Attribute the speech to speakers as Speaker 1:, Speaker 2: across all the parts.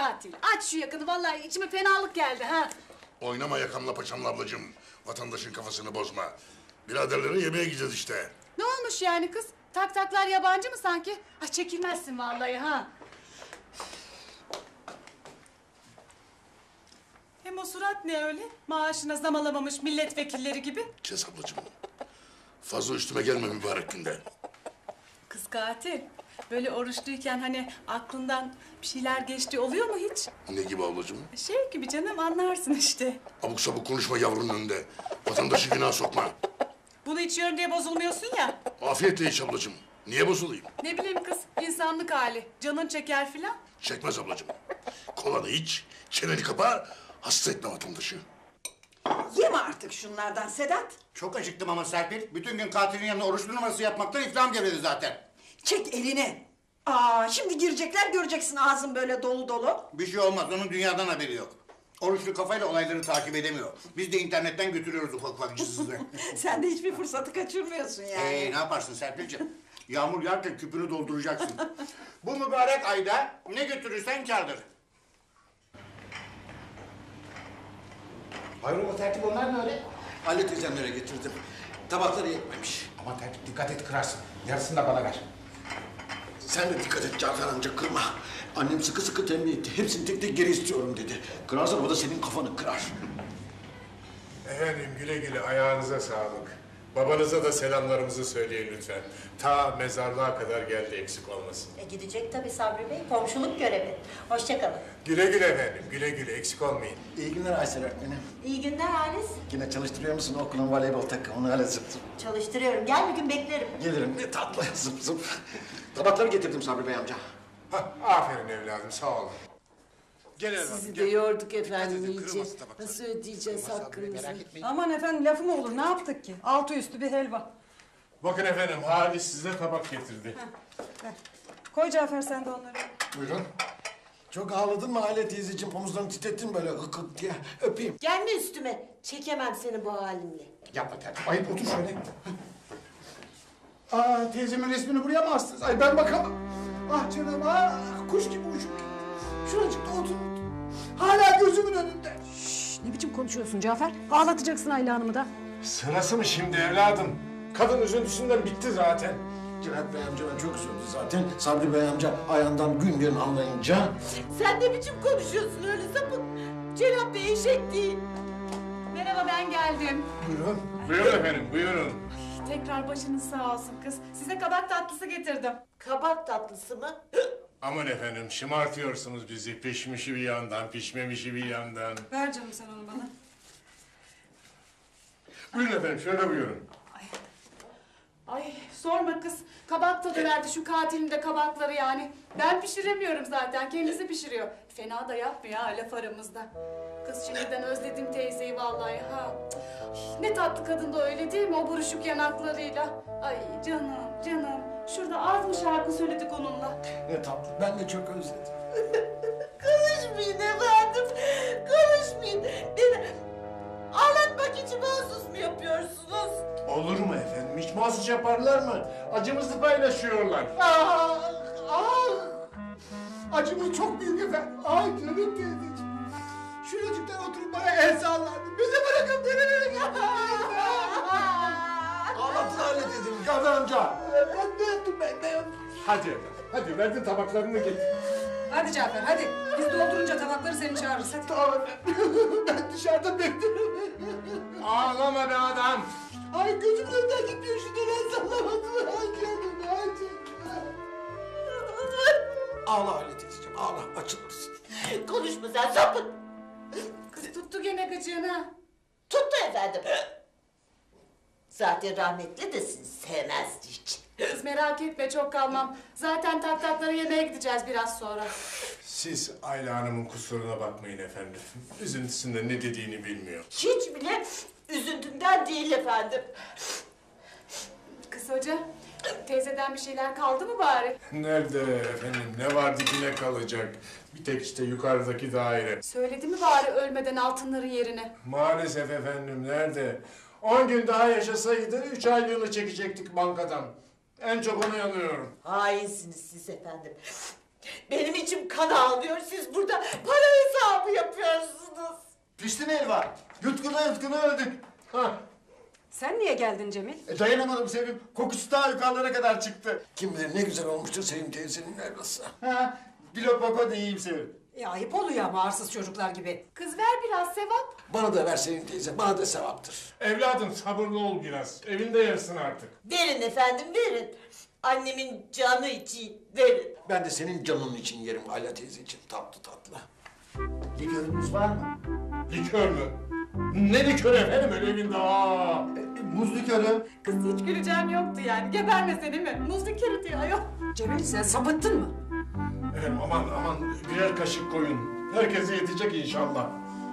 Speaker 1: katil. Aç şu yakını, vallahi içime fenalık geldi ha.
Speaker 2: Oynama yakamla paçamla ablacığım. Vatandaşın kafasını bozma. Biraderlere yemeğe gideceğiz işte.
Speaker 1: Ne olmuş yani kız? Tak taklar yabancı mı sanki? Ha çekilmezsin vallahi ha.
Speaker 3: Hem o surat ne öyle? Maaşına zam alamamış milletvekilleri gibi.
Speaker 2: Kes ablacığım. Fazla üstüme gelme mübarek günde.
Speaker 3: Kız katil. Böyle oruçluyken hani aklından bir şeyler geçti oluyor mu hiç?
Speaker 2: Ne gibi ablacığım?
Speaker 3: Şey gibi canım anlarsın işte.
Speaker 2: Abuk sabuk konuşma yavrunun önünde. Vatandaşı günah sokma.
Speaker 3: Bunu içiyorum diye bozulmuyorsun ya.
Speaker 2: Afiyetle iç ablacığım. Niye bozulayım?
Speaker 3: Ne bileyim kız insanlık hali. Canın çeker filan.
Speaker 2: Çekmez ablacığım. Kolanı iç, çeneni kapa, hasta etme vatandaşı.
Speaker 4: Yeme artık şunlardan Sedat.
Speaker 5: Çok acıktım ama Serpil. Bütün gün katilin yanında oruçlu numarası yapmaktan iflahım gevredi zaten.
Speaker 4: Çek elini. Şimdi girecekler göreceksin ağzın böyle dolu dolu.
Speaker 5: Bir şey olmaz. Onun dünyadan haberi yok. Oruçlu kafayla olayları takip edemiyor. Biz de internetten götürüyoruz ufak ufak cızızı.
Speaker 4: Sen de hiçbir fırsatı kaçırmıyorsun yani.
Speaker 5: Ne yaparsın Serpil'ciğim? Yağmur yağarken küpünü dolduracaksın. Bu mübarek ayda ne götürürsen kârdır.
Speaker 6: Hayrola tertip onlar ne öyle?
Speaker 7: Ali teyzemlere getirdim. Tabakları yetmemiş.
Speaker 6: Ama tertip dikkat et kırarsın. Yarısını da bana ver.
Speaker 7: Sen de dikkat et Cafer amca kırma. Annem sıkı sıkı tembih etti. Hepsini tek tek geri istiyorum dedi. Kırarsan o da senin kafanı kırar.
Speaker 8: Efendim güle güle ayağınıza sağlık. Babanıza da selamlarımızı söyleyin lütfen. Ta mezarlığa kadar geldi eksik olmasın.
Speaker 9: Gidecek tabii Sabri Bey, komşuluk görevi. Hoşça kalın.
Speaker 8: Güle güle efendim, güle güle eksik olmayın.
Speaker 7: İyi günler Aysel öğretmenim.
Speaker 9: İyi günler Halis.
Speaker 7: Yine çalıştırıyor musun okulun voleybol takımını öyle zıp zıp?
Speaker 9: Çalıştırıyorum. Gel bir gün beklerim.
Speaker 7: Gelirim ne tatlı zıp zıp. Tabakları getirdim Sabri Bey amca.
Speaker 8: Hah, aferin evladım, sağ olun. Gel evladım,
Speaker 10: Sizi
Speaker 8: gel.
Speaker 10: de yorduk efendim
Speaker 2: Hadi,
Speaker 10: iyice.
Speaker 2: kırılmasın tabaklar.
Speaker 10: Nasıl ödeyeceğiz hakkınızı?
Speaker 6: Merak etmeyin.
Speaker 3: Aman efendim lafı mı olur ne yaptık ki? Altı üstü bir helva.
Speaker 8: Bakın efendim, Halis size tabak getirdi.
Speaker 3: Koy Cafer sen de onları.
Speaker 8: Buyurun.
Speaker 7: Çok ağladın mı Aile teyzeciğim? Omuzlarını titrettin böyle hık hık diye. Öpeyim.
Speaker 10: Gelme üstüme. Çekemem seni bu halimle.
Speaker 6: Yapma tertip. Ayıp otur şöyle. Teyzemin resmini buraya mı astınız? Ay ben bakamam. Ah canım kuş gibi uçup şuracıkta otururdu. Hala gözümün önünde.
Speaker 1: Ne biçim konuşuyorsun Cafer? Ağlatacaksın Ayla Hanım'ı da.
Speaker 8: Sırası mı şimdi evladım? Kadın üzüntüsünden bitti zaten.
Speaker 7: Cenap Bey amcadan çok üzüldü zaten. Sabri Bey amca ayağından gün yerini anlayınca...
Speaker 10: Sen ne biçim konuşuyorsun öyle sapık? Cenap Bey eşek değil.
Speaker 3: Merhaba ben geldim.
Speaker 6: Buyurun.
Speaker 8: Buyurun efendim, buyurun.
Speaker 3: Tekrar başınız sağ olsun kız. Size kabak tatlısı getirdim.
Speaker 10: Kabak tatlısı mı?
Speaker 8: Aman efendim, şımartıyorsunuz bizi. Pişmişi bir yandan, pişmemişi bir yandan.
Speaker 3: Ver canım sen onu bana.
Speaker 8: Buyurun efendim, şöyle buyurun.
Speaker 1: Ay sorma kız. Kabak tadı verdi şu katilin de kabakları yani. Ben pişiremiyorum zaten. Kendisi pişiriyor. Fena da yapmıyor ha laf aramızda. Kız şimdiden özledim teyzeyi vallahi ha. Ne tatlı kadın da öyle değil mi o buruşuk yanaklarıyla. Ay canım canım. Şurada az mı şarkı söyledik onunla.
Speaker 7: Ne tatlı. Ben de çok özledim.
Speaker 10: Konuşmayın efendim. Konuşmayın. Beni ağlatmak için mahsus mu yapıyorsunuz?
Speaker 8: Olur mu efendim? Hiç mahsus yaparlar mı? Acımızı paylaşıyorlar.
Speaker 6: Acımız çok büyük efendim. Ay canım teyzeciğim. Şuracıktan oturup bana el sallardı. Bizi bırakın beni.
Speaker 7: Ağlattın Aile teyzemi Cafer amca.
Speaker 6: Ben de yaptım ben de yaptım.
Speaker 8: Hadi efendim, hadi verdin tabaklarını getir.
Speaker 3: Hadi Cafer hadi. Biz doldurunca tabakları seni çağırırız hadi.
Speaker 6: Tamam efendim. Ben dışarıda beklerim.
Speaker 8: Ağlama be adam.
Speaker 6: Ay gözümün önünden gitmiyor şuradan el sallamasın. Ay canım ay canım.
Speaker 7: Ağla Aile teyzeciğim ağla açılırsın.
Speaker 10: Konuşma sen sapık.
Speaker 1: Kız tuttu gene gıcığını.
Speaker 10: Tuttu efendim. Zaten rahmetli de sizi sevmezdi hiç.
Speaker 1: Kız merak etme çok kalmam. Zaten taktakları yemeye gideceğiz biraz sonra.
Speaker 8: Siz Ayla Hanım'ın kusuruna bakmayın efendim. Üzüntüsünde ne dediğini bilmiyor.
Speaker 10: Hiç bile üzüntümden değil efendim.
Speaker 1: Kız hoca teyzeden bir şeyler kaldı mı bari?
Speaker 8: Nerede efendim? Ne var dibine kalacak? Bir tek işte yukarıdaki daire.
Speaker 1: Söyledi mi bari ölmeden altınların yerini?
Speaker 8: Maalesef efendim nerede? 10 gün daha yaşasaydı 3 aylığını çekecektik bankadan. En çok onu yanıyorum.
Speaker 10: Hainsiniz siz efendim. Benim içim kan ağlıyor. Siz burada para hesabı yapıyorsunuz.
Speaker 6: Pişti mi helva? Yutkuna yutkuna öldük. Ha.
Speaker 4: Sen niye geldin Cemil?
Speaker 6: Dayanamadım Sevim. Kokusu daha yukarılara kadar çıktı.
Speaker 7: Kim bilir ne güzel olmuştur Sevim teyzenin helvası.
Speaker 6: Ha. Bir lokma da yiyeyim Sevim.
Speaker 4: Ayıp oluyor ama arsız çocuklar gibi.
Speaker 1: Kız ver biraz sevap.
Speaker 7: Bana da ver Sevim teyze, bana da sevaptır.
Speaker 8: Evladım sabırlı ol biraz. Evinde yersin artık.
Speaker 10: Verin efendim verin. Annemin canı için verin.
Speaker 7: Ben de senin canın için yerim Ayla teyzeciğim, tatlı tatlı.
Speaker 6: Likörünüz var mı?
Speaker 8: Likör mü? Ne likör efendim öyle evinde? Aa!
Speaker 6: Muz likörü.
Speaker 1: Kız hiç güleceğim yoktu yani. Gebermese değil mi? Muz likörü diyor ayol.
Speaker 4: Cemil sen sapıttın mı?
Speaker 8: Efendim aman birer kaşık koyun. Herkese yetecek inşallah.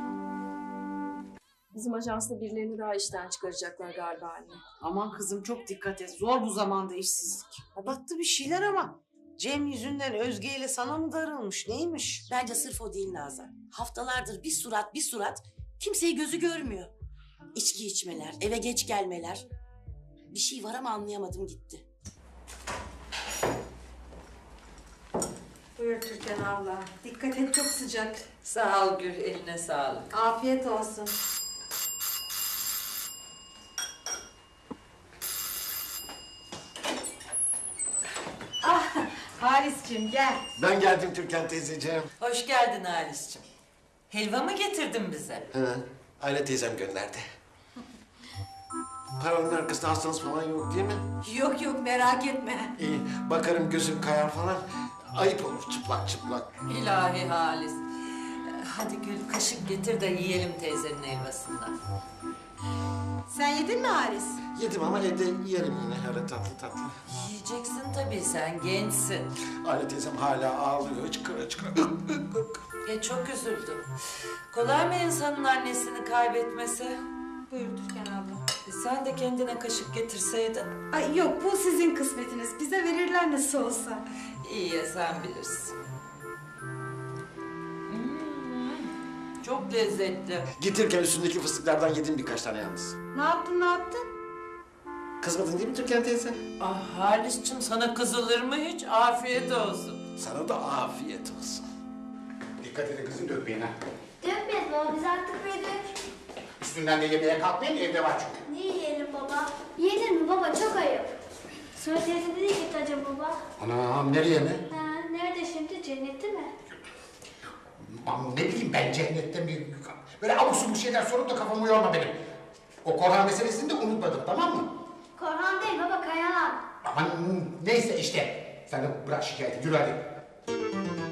Speaker 11: Bizim ajansta birilerini daha işten çıkaracaklar galiba anne.
Speaker 12: Aman kızım çok dikkat et. Zor bu zamanda işsizlik. Battı bir şeyler ama. Cem yüzünden Özge ile sana mı darılmış? Neymiş?
Speaker 13: Bence sırf o değil Nazan. Haftalardır bir surat kimseyi gözü görmüyor. İçki içmeler, eve geç gelmeler. Bir şey var ama anlayamadım gitti.
Speaker 4: Buyur Türkan abla. Dikkat et çok sıcak.
Speaker 10: Sağ ol Gül, eline sağlık.
Speaker 4: Afiyet olsun. Halis'cim gel.
Speaker 7: Ben geldim Türkan teyzeciğim.
Speaker 10: Hoş geldin Halis'ciğim. Helva mı getirdin bize?
Speaker 7: Hı, Ayla teyzem gönderdi. Paranın arkasında hastanız falan yok değil mi?
Speaker 4: Yok yok merak etme.
Speaker 7: İyi, bakarım gözüm kayar falan. Ayıp olur çıplak çıplak.
Speaker 10: İlahi Halis. Hadi Gül kaşık getir de yiyelim teyzenin helvasından.
Speaker 4: Sen yedin mi Halis?
Speaker 7: Yedim ama evde yerim yine öyle tatlı tatlı.
Speaker 10: Yiyeceksin tabii sen gençsin.
Speaker 7: Ayla teyzem hala ağlıyor hıçkıra hıçkıra.
Speaker 10: Çok üzüldüm. Kolay mı insanın annesini kaybetmesi?
Speaker 4: Buyur Türkan abla.
Speaker 10: Sen de kendine kaşık getirseydin.
Speaker 4: Ay yok bu sizin kısmetiniz. Bize verirler nasıl olsa.
Speaker 10: İyi ya sen bilirsin. Çok lezzetli.
Speaker 7: Gitirken üstündeki fıstıklardan yedim birkaç tane yalnız.
Speaker 4: Ne yaptın?
Speaker 7: Kızmadın değil mi Türkan teyze?
Speaker 10: Ah Halis'cim sana kızılır mı hiç? Afiyet olsun.
Speaker 7: Sana da afiyet olsun.
Speaker 5: Dikkat edin kızım dökmeyin ha.
Speaker 14: Dökmeyiz baba biz artık büyüdük.
Speaker 5: Üstünden de yemeğe kalkmayın evde var çünkü.
Speaker 14: Ne yiyelim baba? Yenir mi baba çok ayıp. Sonra teyze nereye gitti acaba baba?
Speaker 5: Anam nereye mi?
Speaker 14: Ha, nerede şimdi cennette mi?
Speaker 5: Aman ne bileyim ben cennette mi? Böyle abuk subuk şeyler sorup da kafamı yorma benim. O Korhan meselesini de unutmadım tamam mı?
Speaker 14: Korhan değil baba Kayahan.
Speaker 5: Aman neyse işte. Sen de bırak şikayeti yürü hadi.